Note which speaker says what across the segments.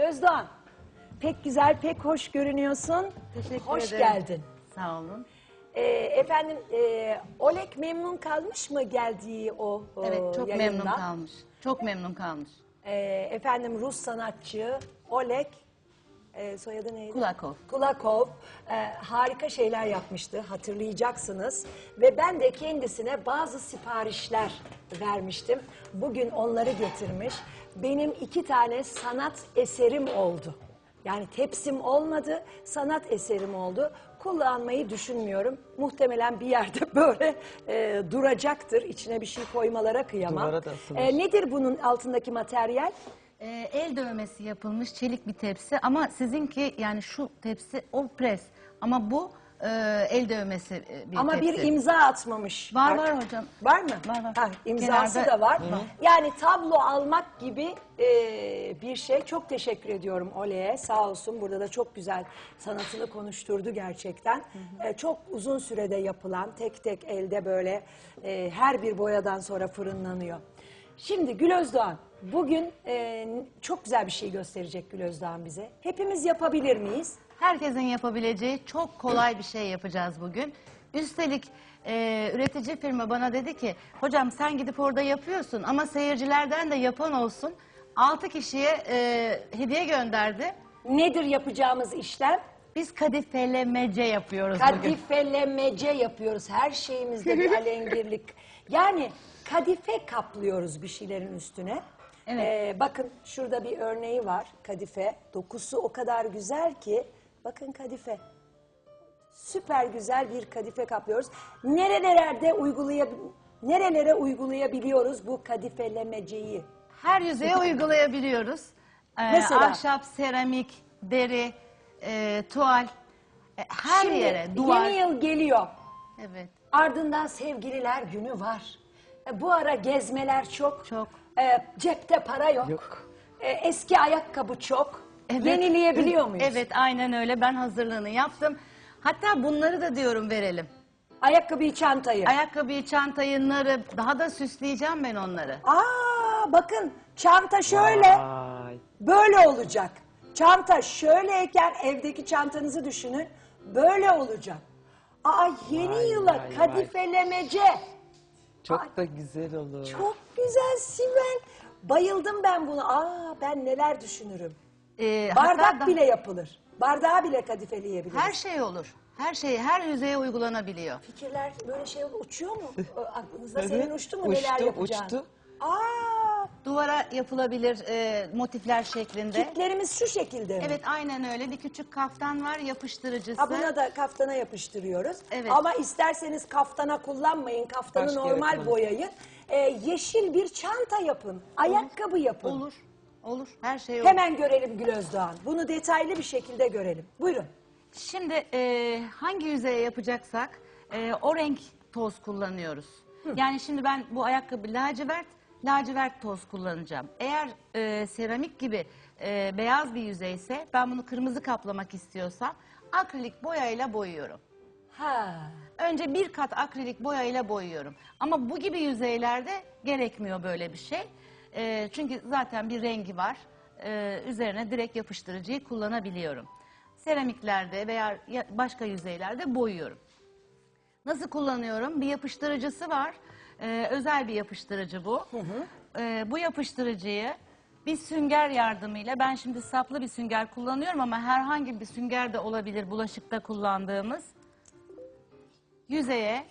Speaker 1: Özdoğan, pek güzel, pek hoş görünüyorsun.
Speaker 2: Teşekkür
Speaker 1: hoş
Speaker 2: ederim.
Speaker 1: geldin.
Speaker 2: Sağ olun.
Speaker 1: Efendim, Oleg memnun kalmış mı geldiği o
Speaker 2: Evet, çok
Speaker 1: yayından?
Speaker 2: memnun kalmış. Çok memnun kalmış.
Speaker 1: Efendim, Rus sanatçı Oleg, soyadı neydi?
Speaker 2: Kulakov.
Speaker 1: Kulakov harika şeyler yapmıştı, hatırlayacaksınız. Ve ben de kendisine bazı siparişler vermiştim. Bugün onları getirmiş. Benim 2 tane sanat eserim oldu. Yani tepsim olmadı, sanat eserim oldu. Kullanmayı düşünmüyorum. Muhtemelen bir yerde böyle duracaktır. İçine bir şey koymalara kıyamam.
Speaker 3: Duvara da asılır.
Speaker 1: Nedir bunun altındaki materyal?
Speaker 2: El dövmesi yapılmış çelik bir tepsi ama sizinki yani şu tepsi o pres ama bu el dövmesi bir
Speaker 1: Ama
Speaker 2: tepsi.
Speaker 1: bir imza atmamış.
Speaker 2: Var var hocam.
Speaker 1: Var mı?
Speaker 2: Var, var.
Speaker 1: Ha, imzası
Speaker 2: Kenarda-
Speaker 1: da var. Yani tablo almak gibi bir şey. Çok teşekkür ediyorum Ole'ye. Sağ olsun, burada da çok güzel sanatını konuşturdu gerçekten. Çok uzun sürede yapılan, tek tek elde böyle her bir boyadan sonra fırınlanıyor. Şimdi Gül Özdoğan, bugün çok güzel bir şey gösterecek Gül Özdoğan bize. Hepimiz yapabilir miyiz?
Speaker 2: Herkesin yapabileceği çok kolay bir şey yapacağız bugün. Üstelik üretici firma bana dedi ki hocam sen gidip orada yapıyorsun ama seyircilerden de yapan olsun. 6 kişiye hediye gönderdi.
Speaker 1: Nedir yapacağımız işlem?
Speaker 2: Biz kadifelemece yapıyoruz bugün.
Speaker 1: Kadifelemece yapıyoruz. Her şeyimizde bir alengirlik. Yani kadife kaplıyoruz bir şeylerin üstüne.
Speaker 2: Evet.
Speaker 1: Bakın şurada bir örneği var kadife. Dokusu o kadar güzel ki. Bakın kadife. Süper güzel bir kadife kaplıyoruz. Nerelere uygulayabiliyoruz bu kadifelemeceyi?
Speaker 2: Her yüzeye uygulayabiliyoruz.
Speaker 1: Mesela?
Speaker 2: Ahşap, seramik, deri, tuval, her
Speaker 1: Şimdi
Speaker 2: yere, duvar.
Speaker 1: yeni yıl geliyor.
Speaker 2: Evet,
Speaker 1: Ardından sevgililer günü var. Bu ara gezmeler çok.
Speaker 2: çok.
Speaker 1: Cepte para yok.
Speaker 3: Yok.
Speaker 1: Eski ayakkabı çok.
Speaker 2: Evet.
Speaker 1: Yenileyebiliyor muyuz?
Speaker 2: Evet, aynen öyle. Ben hazırlığını yaptım. Hatta bunları da diyorum verelim.
Speaker 1: Ayakkabıyı, çantayı.
Speaker 2: Ayakkabıyı, çantayı, narı, daha da süsleyeceğim ben onları.
Speaker 1: Bakın çanta şöyle.
Speaker 3: Vay.
Speaker 1: Böyle olacak. Çanta şöyleyken evdeki çantanızı düşünün. Böyle olacak. Yeni
Speaker 3: Vay,
Speaker 1: yıla
Speaker 3: vay,
Speaker 1: kadifelemece.
Speaker 3: Çok da güzel olur.
Speaker 1: Çok güzel Sibel. Bayıldım ben buna. Ben neler düşünürüm. Bardak
Speaker 2: Hatta
Speaker 1: bile yapılır. Bardağı bile kadifeleyebiliriz.
Speaker 2: her şey olur. Her şey, her yüzeye uygulanabiliyor.
Speaker 1: Fikirler böyle şey uçuyor mu? Aklınızda
Speaker 3: Evet,
Speaker 1: senin uçtu mu
Speaker 3: uçtu,
Speaker 1: neler yapacağın?
Speaker 3: uçtu.
Speaker 2: Duvara yapılabilir motifler şeklinde.
Speaker 1: Kitlerimiz şu şekilde mi?
Speaker 2: Evet, aynen öyle. Bir küçük kaftan var, yapıştırıcısı.
Speaker 1: Buna da kaftana yapıştırıyoruz.
Speaker 2: Evet.
Speaker 1: Ama isterseniz kaftana kullanmayın. Kaftanı
Speaker 3: Başka
Speaker 1: normal
Speaker 3: yere kullanın.
Speaker 1: boyayın. Yeşil bir çanta yapın. Ayakkabı yapın.
Speaker 2: Olur, olur. Her şey olur.
Speaker 1: Hemen görelim Gül Özdoğan. Bunu detaylı bir şekilde görelim. Buyurun.
Speaker 2: Şimdi hangi yüzeye yapacaksak o renk toz kullanıyoruz. Yani şimdi ben bu ayakkabı lacivert toz kullanacağım. Eğer seramik gibi beyaz bir yüzeyse ben bunu kırmızı kaplamak istiyorsam akrilik boyayla boyuyorum. Önce bir kat akrilik boyayla boyuyorum. Ama bu gibi yüzeylerde gerekmiyor böyle bir şey. Çünkü zaten bir rengi var. Üzerine direkt yapıştırıcıyı kullanabiliyorum. Seramiklerde veya başka yüzeylerde boyuyorum. Nasıl kullanıyorum? Bir yapıştırıcısı var. Özel bir yapıştırıcı bu. Bu yapıştırıcıyı bir sünger yardımıyla, ben şimdi saplı bir sünger kullanıyorum ama herhangi bir sünger de olabilir bulaşıkta kullandığımız. Yüzeye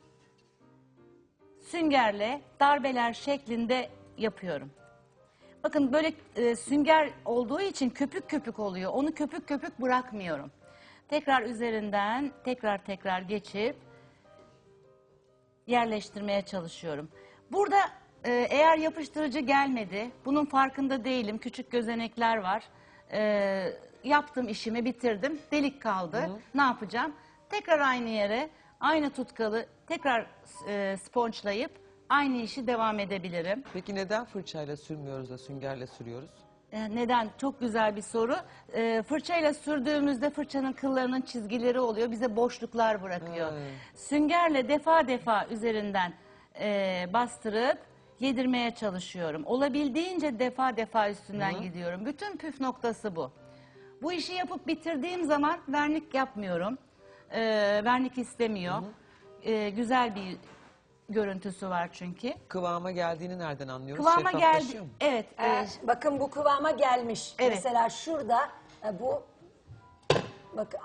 Speaker 2: süngerle darbeler şeklinde yapıyorum. Bakın böyle sünger olduğu için köpük köpük oluyor. Onu köpük köpük bırakmıyorum. Tekrar üzerinden tekrar geçip yerleştirmeye çalışıyorum. Burada eğer yapıştırıcı gelmedi, bunun farkında değilim. Küçük gözenekler var. Yaptım işimi, bitirdim. Delik kaldı. Ne yapacağım? Tekrar aynı yere, aynı tutkalı tekrar sponçlayıp aynı işi devam edebilirim.
Speaker 3: Peki neden fırçayla sürmüyoruz da süngerle sürüyoruz?
Speaker 2: Neden? Çok güzel bir soru. Fırçayla sürdüğümüzde fırçanın kıllarının çizgileri oluyor. Bize boşluklar bırakıyor. Süngerle defa üzerinden bastırıp yedirmeye çalışıyorum. Olabildiğince defa defa üstünden gidiyorum. Bütün püf noktası bu. Bu işi yapıp bitirdiğim zaman vernik yapmıyorum. Vernik istemiyor. Güzel bir görüntüsü var çünkü.
Speaker 3: Kıvama geldiğini nereden anlıyoruz?
Speaker 2: Kıvama geldi.
Speaker 3: Şeffaflaşıyor mu?
Speaker 2: Evet.
Speaker 1: Bakın bu kıvama gelmiş.
Speaker 2: Evet.
Speaker 1: Mesela şurada bu bakın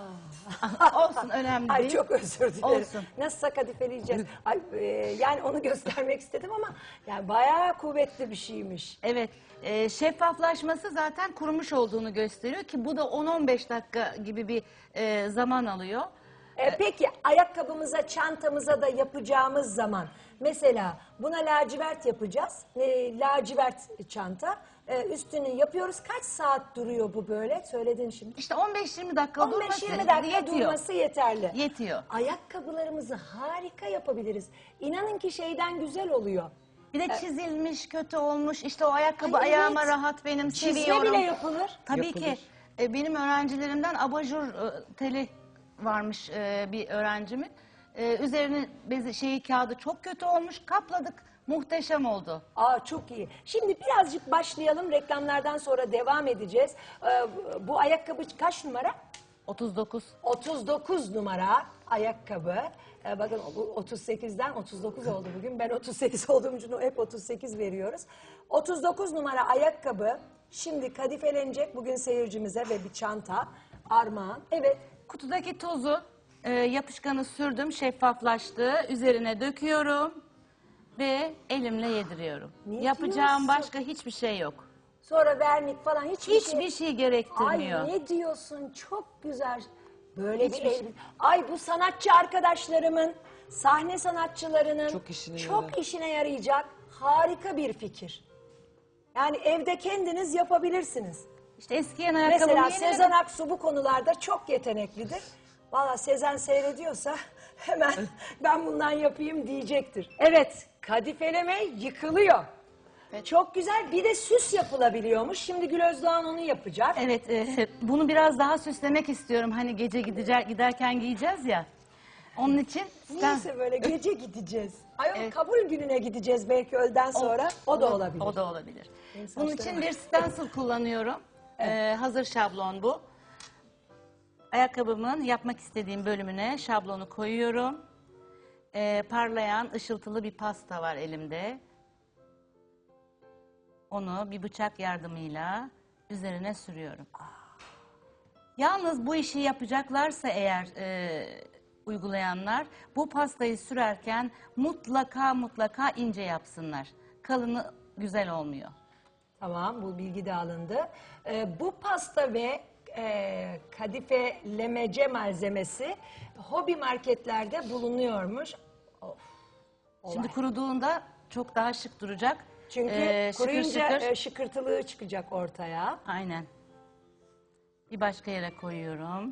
Speaker 2: Olsun, önemli
Speaker 1: Ay
Speaker 2: değil.
Speaker 1: çok özür dilerim.
Speaker 2: Olsun.
Speaker 1: Nasıl kadifeleyeceğiz? Ay, yani onu göstermek istedim ama yani bayağı kuvvetli bir şeymiş.
Speaker 2: Evet, şeffaflaşması zaten kurumuş olduğunu gösteriyor ki bu da 10-15 dakika gibi bir zaman alıyor.
Speaker 1: Peki ayakkabımıza, çantamıza da yapacağımız zaman mesela buna lacivert yapacağız. Lacivert çanta. Üstünü yapıyoruz. Kaç saat duruyor bu böyle? Söyledin şimdi.
Speaker 2: İşte 15-20 dakika durması
Speaker 1: 15-20 dakika
Speaker 2: yetiyor.
Speaker 1: durması yeterli.
Speaker 2: Yetiyor.
Speaker 1: Ayakkabılarımızı harika yapabiliriz. İnanın ki şeyden güzel oluyor.
Speaker 2: Bir de çizilmiş, kötü olmuş. İşte o ayakkabı
Speaker 1: Ay,
Speaker 2: ayağıma
Speaker 1: evet.
Speaker 2: rahat, benim
Speaker 1: Çizme
Speaker 2: seviyorum.
Speaker 1: bile yapılır.
Speaker 2: Tabii
Speaker 3: Yapılır.
Speaker 2: ki benim öğrencilerimden abajur teli varmış bir öğrencimin. Üzerine kağıdı çok kötü olmuş. Kapladık. Muhteşem oldu.
Speaker 1: Çok iyi. Şimdi birazcık başlayalım. Reklamlardan sonra devam edeceğiz. Bu ayakkabı kaç numara?
Speaker 2: 39.
Speaker 1: 39 numara ayakkabı. Bakın bu 38'den 39 oldu bugün. Ben 38 olduğum için hep 38 veriyoruz. 39 numara ayakkabı şimdi kadifelenecek bugün seyircimize ve bir çanta armağan. Evet.
Speaker 2: Kutudaki tozu yapışkanı sürdüm, şeffaflaştı. Üzerine döküyorum ve elimle yediriyorum.
Speaker 1: Ne
Speaker 2: Yapacağım
Speaker 1: diyorsun?
Speaker 2: başka hiçbir şey yok.
Speaker 1: Sonra vernik falan
Speaker 2: Hiçbir şey gerektirmiyor.
Speaker 1: Ay ne diyorsun? Çok güzel. Böyle
Speaker 2: Hiçbir
Speaker 1: bir
Speaker 2: şey.
Speaker 1: elbise. Ay bu sanatçı arkadaşlarımın, sahne sanatçılarının
Speaker 3: Çok işine
Speaker 1: işine yarayacak harika bir fikir. Yani evde kendiniz yapabilirsiniz.
Speaker 2: İşte eskiyen ayakkabımı
Speaker 1: Mesela
Speaker 2: yeniledim.
Speaker 1: Sezen Aksu bu konularda çok yeteneklidir. Valla Sezen seyrediyorsa hemen ben bundan yapayım diyecektir. Evet, kadifeleme yıkılıyor.
Speaker 2: Evet.
Speaker 1: Çok güzel. Bir de süs yapılabiliyormuş. Şimdi Gül Özdoğan onu yapacak.
Speaker 2: Evet, bunu biraz daha süslemek istiyorum. Hani gece giderken giyeceğiz ya. Onun için
Speaker 1: Neyse böyle gece gideceğiz. Ay o
Speaker 2: Evet.
Speaker 1: kabul gününe gideceğiz belki öğleden sonra. O da olabilir.
Speaker 2: O da olabilir.
Speaker 1: Benim
Speaker 2: Bunun
Speaker 1: saçlarım
Speaker 2: için
Speaker 1: var.
Speaker 2: bir stencil kullanıyorum. Hazır şablon bu. Ayakkabımın yapmak istediğim bölümüne şablonu koyuyorum. Parlayan, ışıltılı bir pasta var elimde. Onu bir bıçak yardımıyla üzerine sürüyorum. Yalnız bu işi yapacaklarsa eğer uygulayanlar bu pastayı sürerken mutlaka ince yapsınlar. Kalını güzel olmuyor.
Speaker 1: Tamam bu bilgi de alındı. Bu pasta ve kadifelemece malzemesi hobi marketlerde bulunuyormuş. Of, olay.
Speaker 2: Şimdi kuruduğunda çok daha şık duracak.
Speaker 1: Çünkü
Speaker 2: Şıkır
Speaker 1: kuruyunca
Speaker 2: şıkır.
Speaker 1: şıkırtılığı çıkacak ortaya.
Speaker 2: Aynen. Bir başka yere koyuyorum.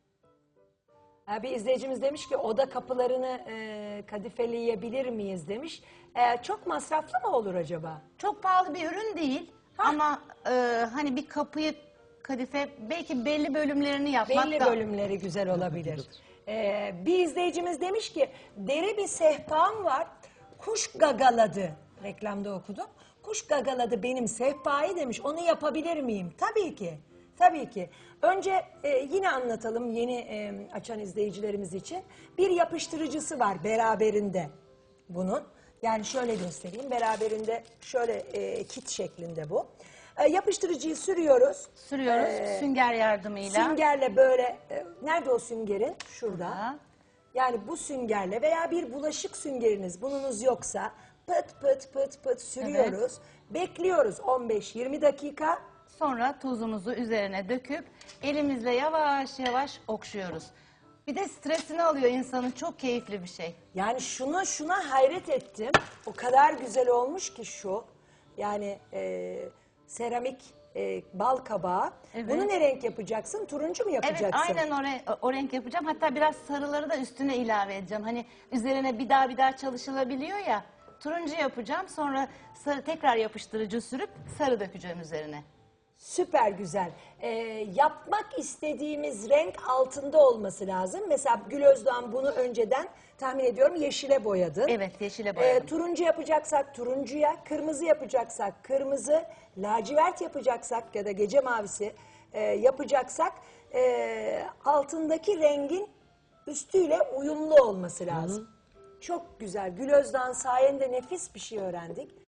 Speaker 1: Bir izleyicimiz demiş ki oda kapılarını kadifeleyebilir miyiz demiş. Çok masraflı mı olur acaba?
Speaker 2: Çok pahalı bir ürün değil. Ama hani bir kapıyı kadife belki belli bölümlerini yapmak
Speaker 1: Belli
Speaker 2: da
Speaker 1: bölümleri güzel olabilir. Bir izleyicimiz demiş ki deri bir sehpam var. Kuş gagaladı. Reklamda okudum. Kuş gagaladı benim sehpayı demiş. Onu yapabilir miyim? Tabii ki. Tabii ki. Önce yine anlatalım yeni açan izleyicilerimiz için. Bir yapıştırıcısı var beraberinde bunun. Yani şöyle göstereyim. Beraberinde şöyle kit şeklinde bu. Yapıştırıcıyı sürüyoruz.
Speaker 2: sürüyoruz sünger yardımıyla.
Speaker 1: Süngerle böyle, nerede o süngerin? Şurada.
Speaker 2: Burada.
Speaker 1: Yani bu süngerle veya bir bulaşık süngeriniz bununuz yoksa pıt pıt pıt pıt sürüyoruz. Bekliyoruz 15-20 dakika.
Speaker 2: Sonra tozumuzu üzerine döküp elimizle yavaş yavaş okşuyoruz. Bir de stresini alıyor insanın, çok keyifli bir şey.
Speaker 1: Yani şuna hayret ettim. O kadar güzel olmuş ki şu. Yani seramik bal kabağı.
Speaker 2: Evet.
Speaker 1: Bunu ne renk yapacaksın? Turuncu mu yapacaksın?
Speaker 2: Evet, aynen o renk yapacağım. Hatta biraz sarıları da üstüne ilave edeceğim. Hani üzerine bir daha çalışılabiliyor ya. Turuncu yapacağım, sonra tekrar yapıştırıcı sürüp sarı dökeceğim üzerine.
Speaker 1: Süper güzel. Yapmak istediğimiz renk altında olması lazım. Mesela Gül Özdoğan bunu önceden tahmin ediyorum yeşile boyadın.
Speaker 2: Evet, yeşile boyadım.
Speaker 1: Turuncu yapacaksak turuncuya, kırmızı yapacaksak kırmızı, lacivert yapacaksak ya da gece mavisi yapacaksak altındaki rengin üstüyle uyumlu olması lazım. Çok güzel. Gül Özdoğan sayende nefis bir şey öğrendik.